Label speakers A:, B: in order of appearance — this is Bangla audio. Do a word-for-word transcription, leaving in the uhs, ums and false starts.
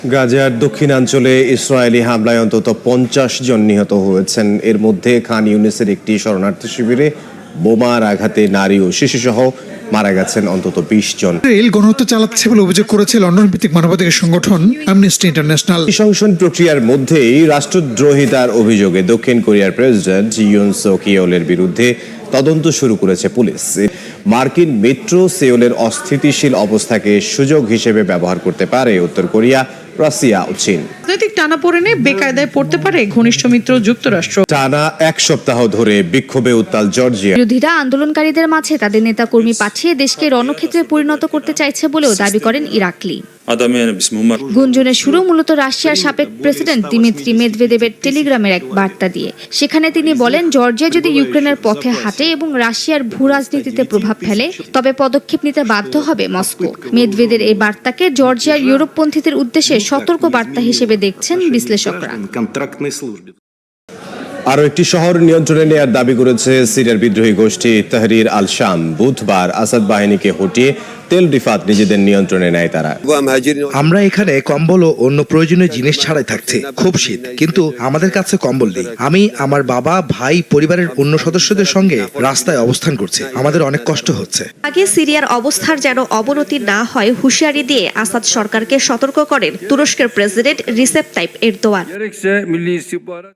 A: গাজার দক্ষিণাঞ্চলে ইসরায়েলি হামলায় অন্তত পঞ্চাশ জন নিহত হয়েছেন। এর মধ্যে খান ইউনিসের একটি শরণার্থী শিবিরে বোমার আঘাতে নারী ও শিশুসহ মারা গেছেন অন্তত বিশ জন।
B: ইসরায়েল গণহত্যা চালাচ্ছে বলে অভিযোগ করেছে লন্ডন ভিত্তিক মানবাধিকার সংগঠন অ্যামনেস্টি ইন্টারন্যাশনাল।
A: সংসদ প্রক্রিয়ার মধ্যেই রাষ্ট্রদ্রোহিতার অভিযোগে দক্ষিণ কোরিয়ার প্রেসিডেন্ট ইউন সুক ইয়েলের বিরুদ্ধে তদন্ত শুরু করেছে পুলিশ। মার্কিন মেট্রো সেওলের অস্থিতিশীল অবস্থাকে সুযোগ হিসেবে ব্যবহার করতে পারে উত্তর কোরিয়া, রাশিয়া ও চীন।
C: রাজনৈতিক টানাপোড়েনে বেকায়দায় পড়তে পারে ঘনিষ্ঠ মিত্র যুক্তরাষ্ট্র।
A: টানা এক সপ্তাহ ধরে বিক্ষোভে উত্তাল জর্জিয়া।
D: বিরোধীরা আন্দোলনকারীদের মাঝে তাদের নেতাকর্মী পাঠিয়ে দেশকে রণক্ষেত্রে পরিণত করতে চাইছে বলেও দাবি করেন ইরাকলি। গুঞ্জনের শুরু মূলত রাশিয়ার সাবেক প্রেসিডেন্ট দিমিত্রি মেদভেদেবের টেলিগ্রামের এক বার্তা দিয়ে। সেখানে তিনি বলেন, জর্জিয়া যদি ইউক্রেনের পথে হাঁটে এবং রাশিয়ার ভূ রাজনীতিতে প্রভাব ফেলে তবে পদক্ষেপ নিতে বাধ্য হবে মস্কো। মেদভেদের এই বার্তাকে জর্জিয়ার ইউরোপপন্থীদের উদ্দেশ্যে সতর্ক বার্তা হিসেবে দেখছেন বিশ্লেষকরা।
A: আরও একটি শহর নিয়ন্ত্রণে নেয়ার দাবি করেছে সিরিয়ার বিদ্রোহী গোষ্ঠী তাহরির আল শাম। বুধবার আসাদ বাহিনীকে হটিয়ে তেল রিফাত নিজেদের নিয়ন্ত্রণে নেয় তারা।
E: আমরা এখানে কম্বল ও অন্য প্রয়োজনীয় জিনিস ছাড়াই থাকছি। খুব শীত, কিন্তু আমাদের কাছে কম্বল নেই। আমি, আমার বাবা, ভাই, পরিবারের অন্য সদস্যদের সঙ্গে রাস্তায় অবস্থান করছি। আমাদের অনেক কষ্ট হচ্ছে।
F: আগে সিরিয়ার অবস্থার যেন অবনতি না হয় হুঁশিয়ারি দিয়ে আসাদ সরকারকে সতর্ক করেন তুরস্কের প্রেসিডেন্ট রিসেপ তাইপ এরদোয়ান।